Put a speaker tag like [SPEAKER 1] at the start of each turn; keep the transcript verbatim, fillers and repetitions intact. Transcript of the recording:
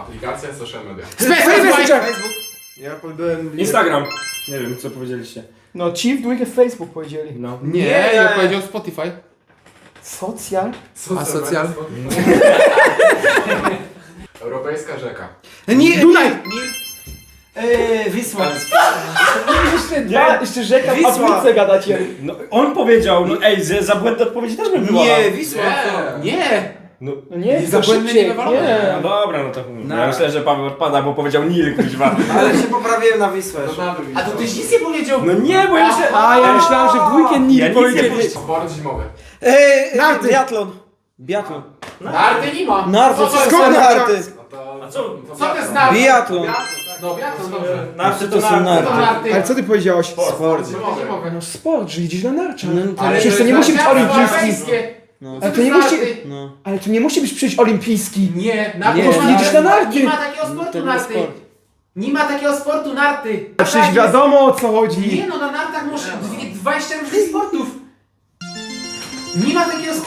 [SPEAKER 1] Aplikacja, social media.
[SPEAKER 2] Facebook!
[SPEAKER 3] Ja powiedziałem...
[SPEAKER 4] Instagram. Nie wiem, co powiedzieliście.
[SPEAKER 2] No ci w dwójkę Facebook powiedzieli.
[SPEAKER 4] No.
[SPEAKER 3] Nie, ja powiedział Spotify.
[SPEAKER 2] Socjal?
[SPEAKER 3] A socjal?
[SPEAKER 1] Europejska rzeka.
[SPEAKER 3] Nie,
[SPEAKER 2] Dunaj!
[SPEAKER 5] Eee, Wisła.
[SPEAKER 2] Jeszcze dwa, jeszcze rzeka w
[SPEAKER 5] Wisła.
[SPEAKER 2] Afryce gadacie.
[SPEAKER 4] No, on powiedział, no ej, za, za błędne odpowiedzi też by była.
[SPEAKER 5] Nie, Wisła.
[SPEAKER 1] Nie.
[SPEAKER 3] Nie!
[SPEAKER 2] No nie,
[SPEAKER 3] Nie,
[SPEAKER 2] za
[SPEAKER 3] za błędne
[SPEAKER 2] szybciej,
[SPEAKER 3] nie wywalone.
[SPEAKER 2] nie.
[SPEAKER 4] No dobra, no to
[SPEAKER 5] No.
[SPEAKER 4] ja myślę, że Paweł odpada, bo powiedział Nil, kuźwa.
[SPEAKER 5] Ale się poprawiłem na Wisłę.
[SPEAKER 3] A to tyś nic nie powiedział!
[SPEAKER 4] No nie, bo ja myślę...
[SPEAKER 2] A ja myślałem, że w dwójkę
[SPEAKER 4] Ja
[SPEAKER 2] Nil
[SPEAKER 4] nic nie
[SPEAKER 2] powiedzieli.
[SPEAKER 4] powiedziałem.
[SPEAKER 1] Sport zimowy.
[SPEAKER 5] Eee,
[SPEAKER 2] Narty.
[SPEAKER 5] biatlon. Biatlon.
[SPEAKER 1] Narty nie ma.
[SPEAKER 5] Narty,
[SPEAKER 1] Co to
[SPEAKER 5] wszystko
[SPEAKER 1] jest?
[SPEAKER 5] narty.
[SPEAKER 1] No to...
[SPEAKER 4] A co?
[SPEAKER 1] Co to jest narty?
[SPEAKER 5] Biatlon.
[SPEAKER 1] No biatlon, dobrze.
[SPEAKER 4] Narty
[SPEAKER 5] To są narty.
[SPEAKER 1] Co to narty?
[SPEAKER 2] Ale co ty powiedziałeś?
[SPEAKER 1] Sport zimowy.
[SPEAKER 2] No sport, że jedziesz na narczach.
[SPEAKER 5] No, to
[SPEAKER 1] Ale
[SPEAKER 2] Przecież to nie musi być olimpijski.
[SPEAKER 1] olimpijskie.
[SPEAKER 5] No.
[SPEAKER 2] Ale to nie musi...
[SPEAKER 5] No.
[SPEAKER 2] Ale to nie musi być przecież olimpijski.
[SPEAKER 1] Nie, narty
[SPEAKER 5] Nie,
[SPEAKER 2] Po prostu
[SPEAKER 1] ma-
[SPEAKER 2] jedziesz na narty.
[SPEAKER 1] Nie ma takiego
[SPEAKER 5] To
[SPEAKER 1] sportu
[SPEAKER 5] nie
[SPEAKER 1] narty.
[SPEAKER 5] sport.
[SPEAKER 1] Nie ma takiego sportu narty.
[SPEAKER 2] A przecież wiadomo o co chodzi.
[SPEAKER 1] Nie no, na nartach masz dwie- dwadzieścia różnych sportów. Nie ma takiego